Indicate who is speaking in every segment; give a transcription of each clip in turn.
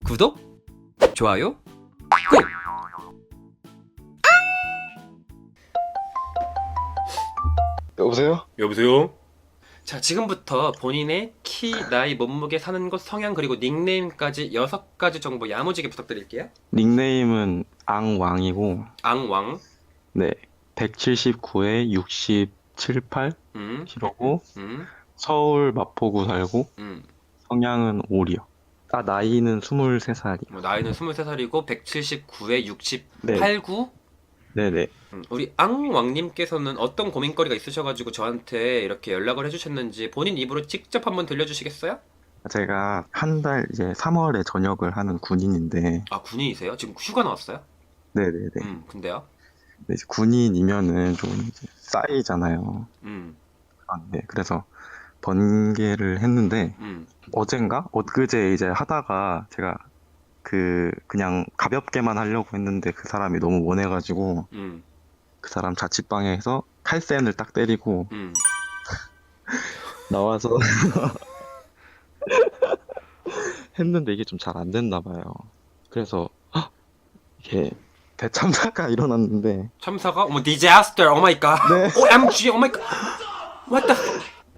Speaker 1: 구독, 좋아요, 꾹!
Speaker 2: 여보세요?
Speaker 3: 여보세요?
Speaker 1: 자, 지금부터 본인의 키, 나이, 몸무게, 사는 곳, 성향, 그리고 닉네임까지 6가지 정보 야무지게 부탁드릴게요.
Speaker 2: 닉네임은 앙왕이고,
Speaker 1: 앙왕,
Speaker 2: 네, 179에 67, 8
Speaker 1: 음,
Speaker 2: 키로고,
Speaker 1: 음,
Speaker 2: 서울 마포구 살고,
Speaker 1: 음.
Speaker 2: 성향은 오리요. 나이는 23살이요.
Speaker 1: 나이는 23살이고 179에 68,
Speaker 2: 네,
Speaker 1: 9?
Speaker 2: 네네.
Speaker 1: 우리 앙왕님께서는 어떤 고민거리가 있으셔가지고 저한테 이렇게 연락을 해주셨는지 본인 입으로 직접 한번 들려주시겠어요?
Speaker 2: 제가 한 달 이제 3월에 전역을 하는 군인인데,
Speaker 1: 아, 군인이세요? 지금 휴가 나왔어요?
Speaker 2: 네네네.
Speaker 1: 근데요?
Speaker 2: 근데 이제 군인이면은 좀 이제 쌓이잖아요.
Speaker 1: 음,
Speaker 2: 네, 그래서 번개를 했는데,
Speaker 1: 음,
Speaker 2: 어젠가? 엊그제 이제 하다가 제가 그냥 가볍게만 하려고 했는데 그 사람이 너무 원해가지고
Speaker 1: 음,
Speaker 2: 그 사람 자취방에서 칼센을 딱 때리고
Speaker 1: 음.
Speaker 2: 나와서 했는데 이게 좀 잘 안 됐나 봐요. 그래서 이게 대참사가 일어났는데
Speaker 1: 참사가? 어머, disaster, 오 마이 갓.
Speaker 2: 네.
Speaker 1: OMG, 오 마이 갓. What the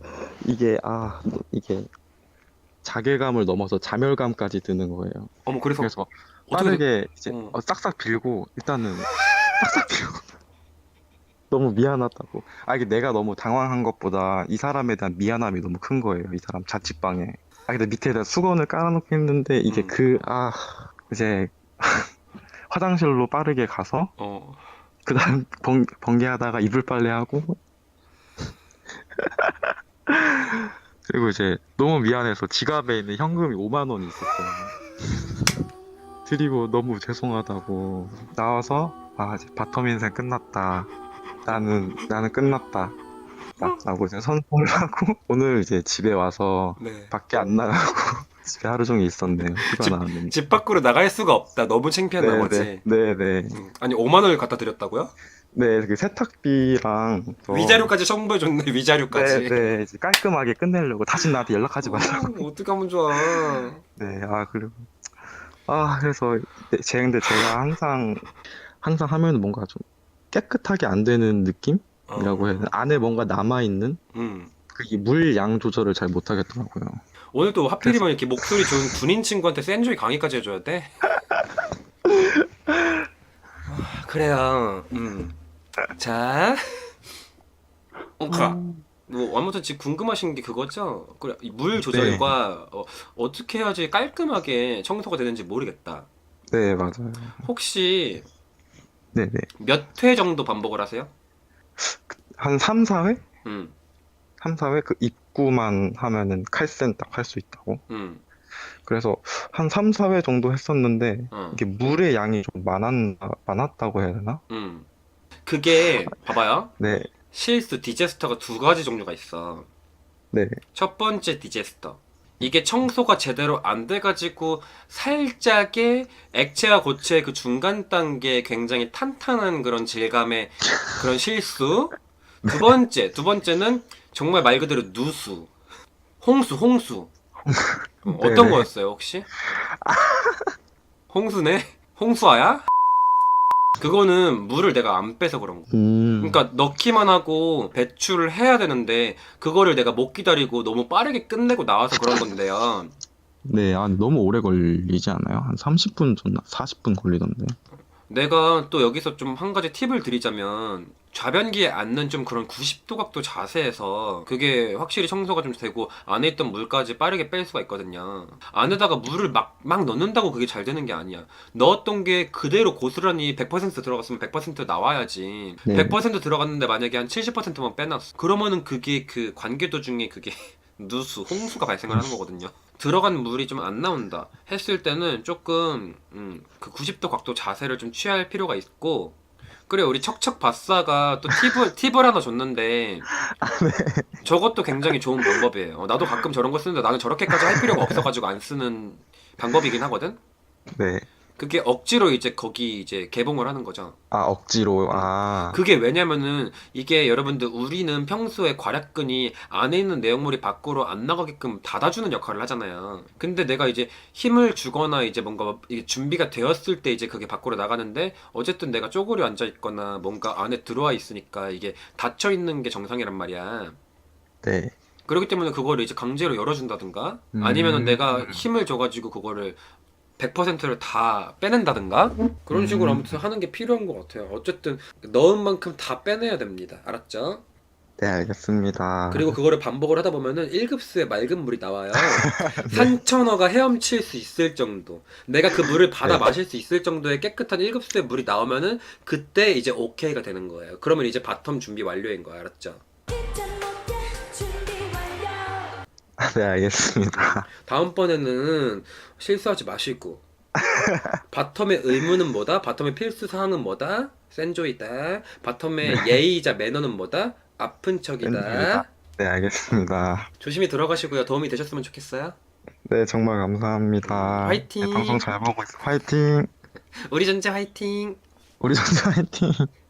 Speaker 2: 이게 자괴감을 넘어서 자멸감까지 드는 거예요.
Speaker 1: 어머, 그래서
Speaker 2: 그래서
Speaker 1: 어떻게
Speaker 2: 빠르게 이제
Speaker 1: 어.
Speaker 2: 싹싹 빌고 일단은 싹싹 빌고 너무 미안하다고. 이게 내가 너무 당황한 것보다 이 사람에 대한 미안함이 너무 큰 거예요. 이 사람 자취방에. 근데 밑에다 수건을 깔아놓고 했는데 이게
Speaker 1: 음.
Speaker 2: 이제 화장실로 빠르게 가서
Speaker 1: 어.
Speaker 2: 그 다음 번개하다가 이불 빨래하고 그리고 이제 너무 미안해서 지갑에 있는 현금이 5만 원이 있었어요. 드리고 너무 죄송하다고 나와서 이제 바텀 인생 끝났다. 나는 끝났다. 라고 이제 선포를 하고 오늘 이제 집에 와서
Speaker 1: 네.
Speaker 2: 밖에 안 나가고 집에 하루 종일 있었네요. 휴가 나왔는데.
Speaker 1: 집 밖으로 나갈 수가 없다. 너무 창피한 나머지.
Speaker 2: 네네.
Speaker 1: 아니, 5만 원을 갖다 드렸다고요?
Speaker 2: 네, 그 세탁비랑
Speaker 1: 위자료까지 첨부해줬네, 위자료까지.
Speaker 2: 네네, 이제 깔끔하게 끝내려고 다시 나한테 연락하지 말라고.
Speaker 1: 어떡하면 좋아.
Speaker 2: 네, 그리고 그래서 근데 제가 항상 하면 뭔가 좀 깨끗하게 안 되는 느낌이라고 해야 되나? 안에 뭔가 남아 있는
Speaker 1: 음.
Speaker 2: 그게 물 양 조절을 잘 못하겠더라고요.
Speaker 1: 오늘 또 하필이면 이렇게 목소리 좋은 군인 친구한테 센조이 강의까지 해줘야 돼? 그래요. 자, 아무튼 지금 궁금하신 게 그거죠? 그래, 이물 조절과 어떻게 해야지 깔끔하게 청소가 되는지 모르겠다.
Speaker 2: 네, 맞아요.
Speaker 1: 혹시
Speaker 2: 네네.
Speaker 1: 몇 회 정도 반복을 하세요?
Speaker 2: 한 3, 4회?
Speaker 1: 음,
Speaker 2: 3, 4회 그 입구만 하면은 칼센 딱 할 수 있다고.
Speaker 1: 음,
Speaker 2: 그래서 한 3, 4회 정도 했었는데
Speaker 1: 어,
Speaker 2: 이게 물의 양이 좀 많았다고 해야 되나?
Speaker 1: 그게 봐봐요.
Speaker 2: 네,
Speaker 1: 실수 디제스터가 2가지 종류가 있어.
Speaker 2: 네,
Speaker 1: 첫 번째 디제스터. 이게 청소가 제대로 안 돼가지고 살짝의 액체와 고체의 그 중간 단계에 굉장히 탄탄한 그런 질감의 그런 실수. 두 번째는 정말 말 그대로 누수. 홍수. 어떤
Speaker 2: 네네.
Speaker 1: 거였어요, 혹시? 홍수네? 홍수아야? 그거는 물을 내가 안 빼서 그런 거. 그러니까 넣기만 하고 배출을 해야 되는데 그거를 내가 못 기다리고 너무 빠르게 끝내고 나와서 그런 건데요.
Speaker 2: 네, 너무 오래 걸리지 않아요? 한 30분 전 40분 걸리던데.
Speaker 1: 내가 또 여기서 좀 한 가지 팁을 드리자면 좌변기에 앉는 좀 그런 90도 각도 자세에서 그게 확실히 청소가 좀 되고 안에 있던 물까지 빠르게 뺄 수가 있거든요. 안에다가 물을 막 넣는다고 그게 잘 되는 게 아니야. 넣었던 게 그대로 고스란히 100% 들어갔으면 100% 나와야지.
Speaker 2: 네.
Speaker 1: 100% 들어갔는데 만약에 한 70%만 빼놨어. 그러면은 그게 그 관계도 중에 그게 누수, 홍수가 발생을 하는 거거든요. 들어간 물이 좀 안 나온다 했을 때는 조금 그 90도 각도 자세를 좀 취할 필요가 있고. 그래, 우리 척척 바싸가 또 팁을 하나 줬는데 저것도 굉장히 좋은 방법이에요. 나도 가끔 저런 거 쓰는데 나는 저렇게까지 할 필요가 없어가지고 안 쓰는 방법이긴 하거든.
Speaker 2: 네.
Speaker 1: 그게 억지로 이제 거기 이제 개봉을 하는 거죠.
Speaker 2: 아, 억지로. 아,
Speaker 1: 그게 왜냐면은 이게 여러분들 우리는 평소에 괄약근이 안에 있는 내용물이 밖으로 안 나가게끔 닫아주는 역할을 하잖아요. 근데 내가 이제 힘을 주거나 이제 뭔가 이게 준비가 되었을 때 이제 그게 밖으로 나가는데 어쨌든 내가 쪼그려 앉아 있거나 뭔가 안에 들어와 있으니까 이게 닫혀 있는 게 정상이란 말이야.
Speaker 2: 네.
Speaker 1: 그렇기 때문에 그거를 이제 강제로 열어준다든가 아니면은
Speaker 2: 음,
Speaker 1: 내가 힘을 줘가지고 그거를 100%를 다 빼낸다든가 그런 식으로
Speaker 2: 음,
Speaker 1: 아무튼 하는 게 필요한 것 같아요. 어쨌든 넣은 만큼 다 빼내야 됩니다. 알았죠?
Speaker 2: 네, 알겠습니다.
Speaker 1: 그리고 그거를 반복을 하다 보면은 1급수의 맑은 물이 나와요.
Speaker 2: 네,
Speaker 1: 산천어가 헤엄칠 수 있을 정도. 내가 그 물을 받아
Speaker 2: 네.
Speaker 1: 마실 수 있을 정도의 깨끗한 1급수의 물이 나오면은 그때 이제 오케이가 되는 거예요. 그러면 이제 바텀 준비 완료인 거야. 알았죠?
Speaker 2: 네, 알겠습니다.
Speaker 1: 다음번에는 실수하지 마시고 바텀의 의무는 뭐다? 바텀의 필수 사항은 뭐다? 센조이다. 바텀의 예의이자 매너는 뭐다? 아픈 척이다.
Speaker 2: 팬입니다. 네, 알겠습니다.
Speaker 1: 조심히 들어가시고요. 도움이 되셨으면 좋겠어요.
Speaker 2: 네, 정말 감사합니다. 네, 방송
Speaker 1: 화이팅!
Speaker 2: 잘 보고 있어. 화이팅!
Speaker 1: 우리 전체 화이팅!
Speaker 2: 우리 전체 화이팅!